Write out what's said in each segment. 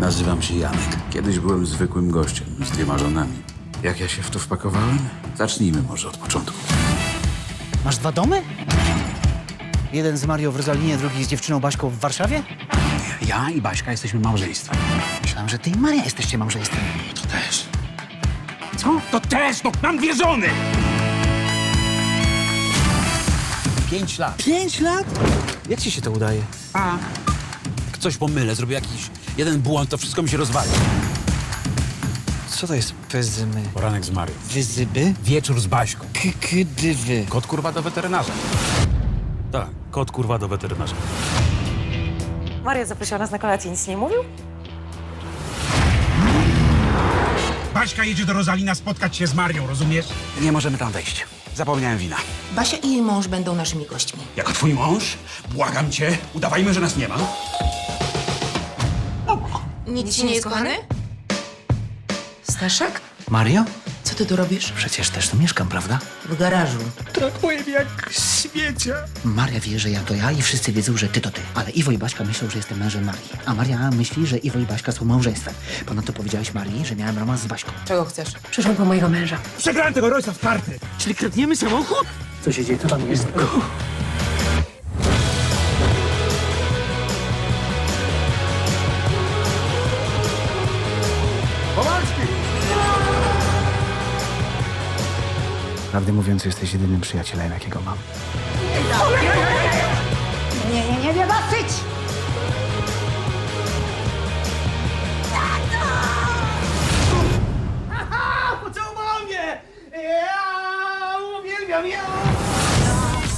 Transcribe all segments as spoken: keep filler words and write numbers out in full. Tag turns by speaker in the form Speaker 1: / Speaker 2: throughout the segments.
Speaker 1: Nazywam się Janek. Kiedyś byłem zwykłym gościem z dwiema żonami. Jak ja się w to wpakowałem? Zacznijmy może od początku.
Speaker 2: Masz dwa domy? Jeden z Mario w Rozalinie, drugi z dziewczyną Baśką w Warszawie?
Speaker 1: Ja i Baśka jesteśmy małżeństwem.
Speaker 2: Myślałem, że ty i Maria jesteście małżeństwem.
Speaker 1: To też.
Speaker 3: Co? To też, no mam dwie żony!
Speaker 1: Pięć lat.
Speaker 2: Pięć lat? Jak ci się to udaje?
Speaker 1: A. Jak coś pomylę, zrobię jakiś jeden błąd, to wszystko mi się rozwali.
Speaker 2: Co to jest pezymy?
Speaker 1: Poranek z Marią.
Speaker 2: Wyzyby?
Speaker 1: Wieczór z Baśką.
Speaker 2: Kykydywy.
Speaker 1: Kot kurwa do weterynarza. Tak, kot kurwa do weterynarza.
Speaker 4: Maria zaprosiła nas na kolację, nic nie mówił?
Speaker 3: Baśka jedzie do Rozalina spotkać się z Marią, rozumiesz?
Speaker 1: Nie możemy tam wejść. Zapomniałem wina.
Speaker 5: Basia i jej mąż będą naszymi gośćmi.
Speaker 3: Jako twój mąż? Błagam cię, udawajmy, że nas nie ma.
Speaker 5: Nic ci nie jest kochany? Staszek?
Speaker 2: Mario?
Speaker 5: Co ty tu robisz?
Speaker 2: Przecież też tu mieszkam, prawda?
Speaker 5: W garażu.
Speaker 3: Traktuję jak śmiecia.
Speaker 2: Maria wie, że ja to ja i wszyscy wiedzą, że ty to ty. Ale Iwo i Baśka myślą, że jestem mężem Marii. A Maria myśli, że Iwo i Baśka są małżeństwem. Ponadto powiedziałeś Marii, że miałem romans z Baśką.
Speaker 5: Czego chcesz?
Speaker 4: Przyszłam po mojego męża.
Speaker 3: Przegrałem tego Roysa w karty.
Speaker 2: Czyli kradniemy samochód? Co się dzieje? Co tam jest? Prawdę mówiąc, jesteś jedynym przyjacielem, jakiego mam.
Speaker 6: Nie, nie, nie, nie, dosyć!
Speaker 7: Pocałował mnie! Ja uwielbiam ją!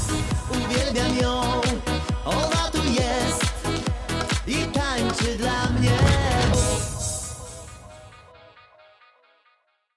Speaker 7: Uwielbiam ją, ona tu jest i tańczy dla mnie.